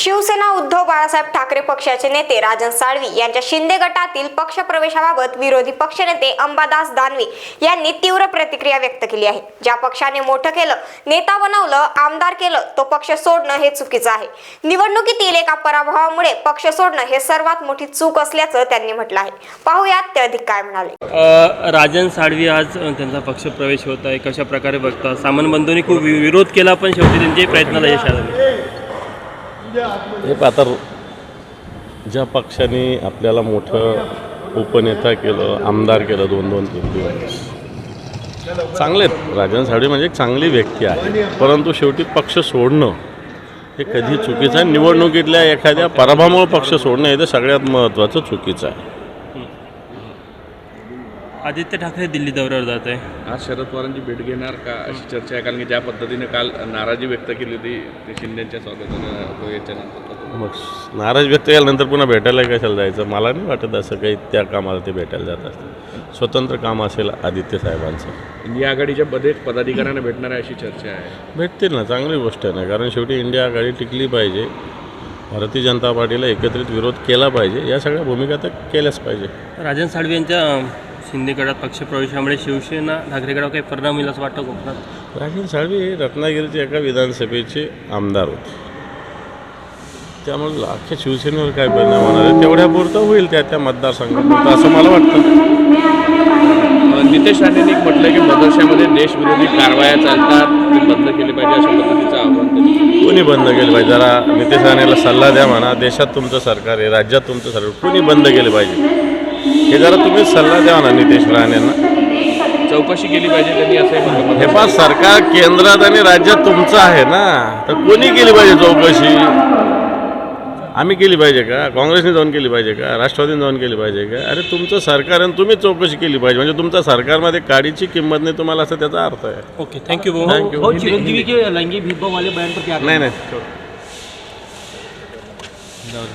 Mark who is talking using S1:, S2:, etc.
S1: शिवसेना उद्धव बाळासाहेब ठाकरे पक्षाचे नेते राजन साळवी यांच्या शिंदे गटातील पक्षप्रवेशाबाबत विरोधी पक्षनेते अंबादास दानवे यांनी तीव्र प्रतिक्रिया व्यक्त केली आहे। ज्या पक्षाने मोठं केलं, नेता बनवलं, आमदार केलं, तो पक्ष सोडणं हे चुकीचं आहे। निवडणुकीतील एका पराभवामुळे पक्ष सोडणं हे सर्वात मोठी चूक असल्याचं त्यांनी म्हटलं आहे। पाहूयात ते अधिक काय म्हणाले।
S2: राजन साळवी आज त्यांचा पक्षप्रवेश होत आहे, कशा प्रकारे बघता? सामान बंधूंनी खूप विरोध केला, पण शेवटी त्यांच्या प्रयत्नाला यश आलं।
S3: हे आता ज्या पक्षाने आपल्याला मोठं उपनेता केलं, आमदार केलं 2-2, 3 चांगले आहेत। राजन साळवी म्हणजे एक चांगली व्यक्ती आहे, परंतु शेवटी पक्ष सोडणं हे कधी चुकीचं आहे। निवडणुकीतल्या एखाद्या पराभवामुळे पक्ष सोडणं हे तर सगळ्यात महत्त्वाचं चुकीचं आहे।
S2: आदित्य ठाकरे दिल्ली दौऱ्यावर जात आहे,
S4: आज शरद पवारांची भेट घेणार का अशी चर्चा आहे, कारण की ज्या पद्धतीने काल नाराजी व्यक्त केली होती ते शिंदेच्या स्वागतानं याच्यानंतर
S3: मग नाराज व्यक्त केल्यानंतर पुन्हा भेटायला कशाला जायचं? मला नाही वाटत असं काही त्या कामाला ते भेटायला जात असतं। स्वतंत्र काम असेल आदित्य साहेबांचं।
S4: इंडिया आघाडीच्या पदाधिकाऱ्यांना भेटणार आहे अशी चर्चा आहे।
S3: भेटतील ना, चांगली गोष्ट आहे ना, कारण शेवटी इंडिया आघाडी टिकली पाहिजे, भारतीय जनता पार्टीला एकत्रित विरोध केला पाहिजे, या सगळ्या भूमिका तर केल्याच पाहिजे।
S2: राजन साळवी यांच्या शिंदे गटात पक्षप्रवेशामुळे शिवसेना ठाकरे गटावर काही परिणाम होईल असं वाटतं कोकणात?
S3: राजन साळवी हे रत्नागिरीचे एका विधानसभेचे आमदार होते, त्यामुळे अख्ख्या शिवसेनेवर काय परिणाम होणार आहे तेवढ्यापुरतं होईल त्या मतदारसंघापुरतं असं मला वाटतं।
S4: नितेश राणेंनी म्हटलं की मदरशामध्ये देशविरोधी कारवाया चालतात, ते बंद केले पाहिजे अशा पद्धतीचं आव्हान त्यांनी.
S3: कोणी बंद केलं पाहिजे? जरा नितेश राणेला सल्ला द्या म्हणा, देशात तुमचं सरकार आहे, राज्यात तुमचं सरकार, कोणी बंद केलं पाहिजे हे जरा तुम्ही सल्ला द्या ना नितेश राणेंना।
S4: चौकशी केली पाहिजे त्यांनी असंही म्हटलं।
S3: हे पाच सरकार केंद्रात आणि राज्यात तुमचं आहे ना, तर कोणी केली पाहिजे चौकशी? आम्ही केली पाहिजे का? काँग्रेसने जाऊन केली पाहिजे का? राष्ट्रवादीने जाऊन केली पाहिजे का? अरे तुमचं सरकार आणि तुम्ही चौकशी केली पाहिजे, म्हणजे तुमच्या सरकारमध्ये काडीची किंमत नाही तुम्हाला, असं त्याचा अर्थ आहे।
S2: ओके, थँक्यू भाऊ।
S3: थँक्यू।
S5: चिरंजीवी के लैंगिक भेदभाव वाले बयान पर क्या?
S3: नाही